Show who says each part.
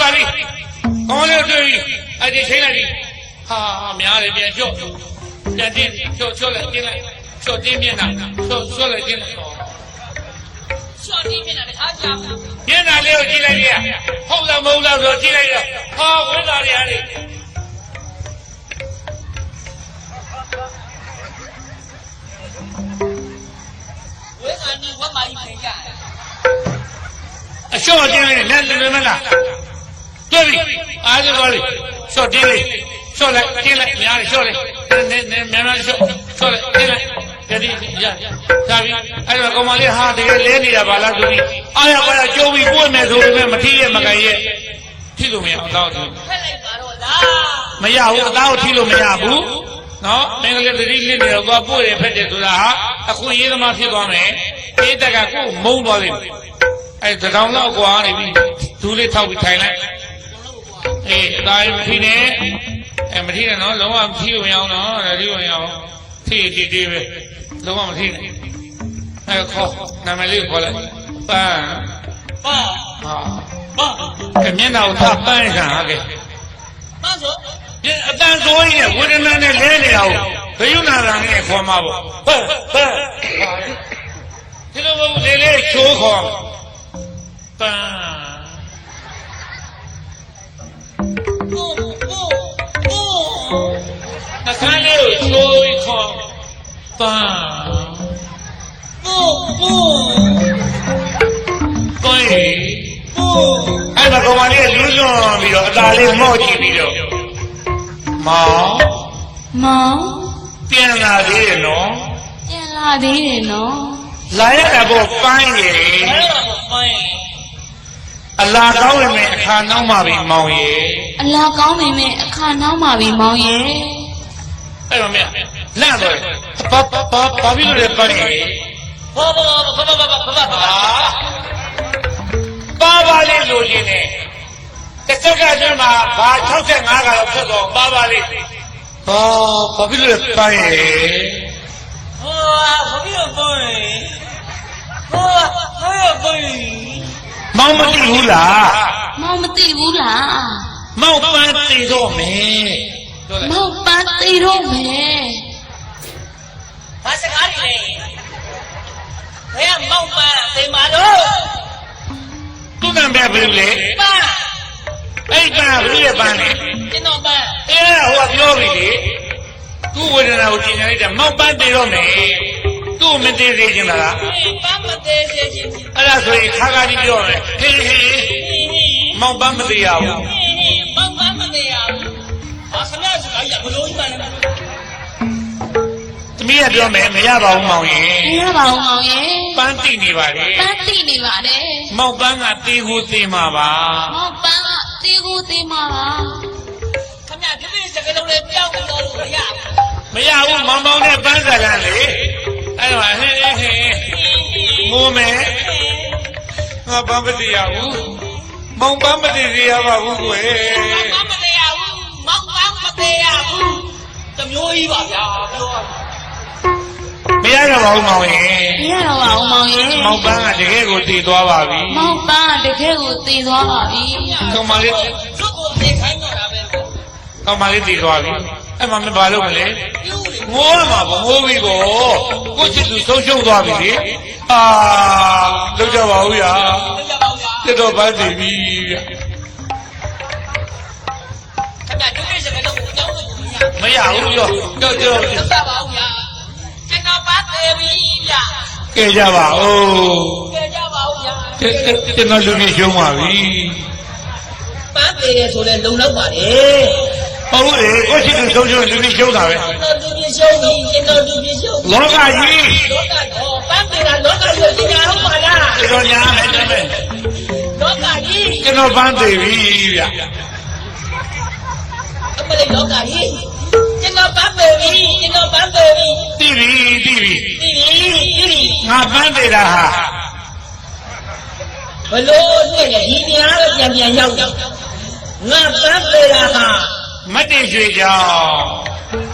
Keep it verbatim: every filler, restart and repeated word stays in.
Speaker 1: ပါလိကောင်းလေးတွေ့ပြီအဲ့ဒီချိန်လိုက်ပြီဟာများတယ်ပြန်ချော့ပြန်တင်းချော့ချော့လိုက်တင်းလိုက်ချော့တင်းမျက်နှာချော့ချော့လိုက်တင်းလိုက်
Speaker 2: ချော့တင်းမျက်နှာတခါကြောက်
Speaker 1: မျက်နှာလေးကိုကြည့်လိုက်ရဟုတ်လားမဟုတ်လားဆိုကြည့်လိုက်ရဟာဝင်းသားတွေဟာလေ
Speaker 2: ဝင်းသားနီဝတ်မာကြီးပြင်ကြ
Speaker 1: အလျှော့တင်းလေးနဲ့လွယ်မလားတွေ့ပြီအားလုံးပါလေလျှော့တင်းလေးလျှော့လိုက်တင်းလိုက်များတယ်လျှော့လိုက်နည်းနည်းများများလျှော့လျှော့လိုက်တင်းလိုက်ကြည့်ရသာပြီအဲ့တော့ကောင်မလေးဟာတကယ်လဲနေတာပါလားဆိုပြီးအားရပါရကြိုးပြီးကိုယ်မယ်ဆိုပေမဲ့မထီးရဲ့မကန်ရဲ့ထိလို့မရအောင်တော့
Speaker 2: ဖက်လိုက်ပါတော့လား
Speaker 1: မရဘူးအသားကိုထိလို့မရဘူးနော်မင်္ဂလာတတိလစ်နေတော့သွားပို့ရဖက်တယ်ဆိုတာဟာအခွင့်အရေးသမားဖြစ်သွားမယ်အေးတက်ကကိုယ်မုန်းသွားလိမ့်မယ်အဲ့တကောင်လောက်ကွာနေပြီဒူးလေးထောက်ပြီးထိုင်လိုက်အေးအသားမထီးနဲ့အဲမထီးနဲ့နော်လုံးဝမထီးလို့မရအောင်နော်ဒါထီးလို့မရအောင်ထီးတီးတီးပဲလုံးဝမထီးနဲ့အဲခေါ်နာမည်လေးခေါ်လိုက်ပန်း
Speaker 2: ပန်း
Speaker 1: ဟာ
Speaker 2: ပန်း
Speaker 1: ကမျက်နှာကိုသပန်းခံဟာကဲ
Speaker 2: ပန်းဆို
Speaker 1: အတန်ဆိုးကြီးနဲ့ဝေဒနာနဲ့လဲနေတာကိုဘယုနာရံနဲ့ခေါ်မှာပေါ့ပန်းပန်းဒီလိုမဟုတ်လေလေချိုးခေါ်ပန်း
Speaker 2: ဘူဘူဘူ
Speaker 1: နှခမ်းလေးကိုချိုးပြီးခေါ်ပန်း
Speaker 2: ဘူဘူ
Speaker 1: ကိုယ်
Speaker 2: ဘူ
Speaker 1: အဲ့ဒါကောင်မလေးလူးလွန်ပြီးတော့အသာလေးမော့ကြည့်ပြီးတော့မောင်
Speaker 3: မောင်
Speaker 1: ပြန်လာသေးတယ်နော်
Speaker 3: ပြန်လာသေးတယ်နော်
Speaker 1: လာရတာပေါ့ပန်းရည်
Speaker 2: အဲ့ဒါပန်း
Speaker 1: အလားကောင်းဝင်မဲ့အခါနောက်မှပြီမောင်ရည်
Speaker 3: အလားကောင်းဝင်မဲ့အခါနောက်မှပြီမောင်ရည်
Speaker 1: အဲ့တော့မြတ်လန့်တော့ဘာဘာဘာပြီးလို့လဲပန်းရည်
Speaker 2: ဘာဘာဘာဘာဘာဘာဘာ
Speaker 1: ပါပါလေးလိုချင်တယ်တစ်စက္ကန့်အတွင်းမှာဘာ၆၅ကတော့ဖြစ်တော့ပါပါလေးဟောဘာဖြစ်လို့ပန်းရည်
Speaker 2: ဟောဘာဖြစ်လို့ပန်းရည်ဟောဘာဖြစ်ပန်းရည်
Speaker 1: မောင်မသိဘူးလား
Speaker 3: မောင်မသိဘူးလား
Speaker 1: မောင်ပန်းသိတော့မယ်
Speaker 3: မောင်ပန်းသိတော့မယ်
Speaker 2: ဘာစကားလဲဘယ်မောင်ပန်းသိမှာတော့
Speaker 1: သူကံပဲဘယ်လိုလဲ
Speaker 2: ပန်း
Speaker 1: အဲ့ပန်းဘယ်လိုလဲပန်းလဲ
Speaker 2: ကျွန်တော်ပန်း
Speaker 1: အဲဟိုကပြောပြီလေသူ့ဝေဒနာကိုကျင်ညာလိုက်တယ်မောင်ပန်းသိတော့မယ်သူ့မသိသေးခြင်းလား
Speaker 2: ပန်းမသေးသေးခြင်း
Speaker 1: အဲ့ဒါဆိုရင်ခါခါကြီးပြောတယ်ဟေးဟေးမောင်ပန်းမသိရဘူး
Speaker 2: မောင်ပန်းမသိရဘူးဘာခဏစကားရဘလို့ကြီးပါလဲ
Speaker 1: သမီးကပြောမယ်မရပါဘူးမောင်ရင်
Speaker 3: မရပါဘူးမောင်ရင်
Speaker 1: ပန်းသိနေပါလေ
Speaker 3: ပန်းသိနေပါတယ်
Speaker 1: မောင်ပန်းကတေးကိုသိမှာပါ
Speaker 3: မောင်ပန်းကတေးကိုသိမှာပါ
Speaker 2: ခမရပြည့်စကလုံးလေးပြောင်းလို့လို့မရ
Speaker 1: မရဘူးမောင်မောင်နဲ့ပန်းစကန်းလေအဲ့တော့ဟဲ့ဟဲ့မိုးမယ်ငါပန်းမသိရဘူးမောင်ပန်းမသိရပါဘူးကွယ်
Speaker 2: မောင်ပန်းမသိရဘူးမောင်ပန်းမသိရဘူးတမျိုးကြီးပါဗျာပြော
Speaker 1: မရတော့ပါဘူးမောင်ရင်
Speaker 3: မရတော့ပါဘူးမောင်ရင်
Speaker 1: မောင်ပန်းကတကယ်ကိုတည်သွားပါပြီ
Speaker 3: မောင်ပန်းကတကယ်ကိုတည်သွားပါပြီ
Speaker 1: ကောင်မလေး
Speaker 2: သူ့ကိုသိခိုင်းတော့တာပဲ
Speaker 1: ကောင်မလေးတည်သွားပြီအဲ့မှမဘာလို့မလဲငိုးမှာပေါ့ငိုးပြီပေါ့ကိုချစ်သူဆုံးရှုံးသွားပြီလေအာလောက်ကြပါဦးရာပြတော့ပန်းတည်ပြီဗျ
Speaker 2: ခဏဒီကိစ္စကတော့တောင်းလို့
Speaker 1: မရဘူးရောကြောက်ကြောက်
Speaker 2: သက်သာပါဦးရာကျွန်တော်ပါသေးပြီဗျ
Speaker 1: ကဲကြပါဦး
Speaker 2: ကဲကြပါဦးဗျာ
Speaker 1: ကျွန်တော်လူကြီးရှုံးပါပြီ
Speaker 2: ပန်းသေးတယ်ဆိုလဲလုံလောက်ပါလေ
Speaker 1: ဟုတ်လေကိုရှိသူဆုံးရှုံးလူကြီးရှုံးတာပဲ
Speaker 2: လူကြီးရှုံးပြီကျွန်တော်လူကြီးရှုံး
Speaker 1: လောကကြီး
Speaker 2: လောကတော့ပန်းသေးတာလောကကြီးကိုညာဟုတ်ပါလား
Speaker 1: ကျွန်တော်ညာမယ်တမန်
Speaker 2: လောကကြီး
Speaker 1: ကျွန်တော်ပန်းသေးပြီဗျ
Speaker 2: အမလေးလောကကြီးကျွန်တော်ပန်းသေးပြီကျွန်တော်ပန်းသေးပြီ
Speaker 1: တိပြီတိပြီ
Speaker 2: တိပြီတိပြီ
Speaker 1: ငါပန်းသေးတာဟာ
Speaker 2: ဘလို့တွေ့လဲဒီများတော့ပြန်ပြန်ရောက်ငါပန်းသေးတာဟာ
Speaker 1: မတ်တရွှေကြောင့်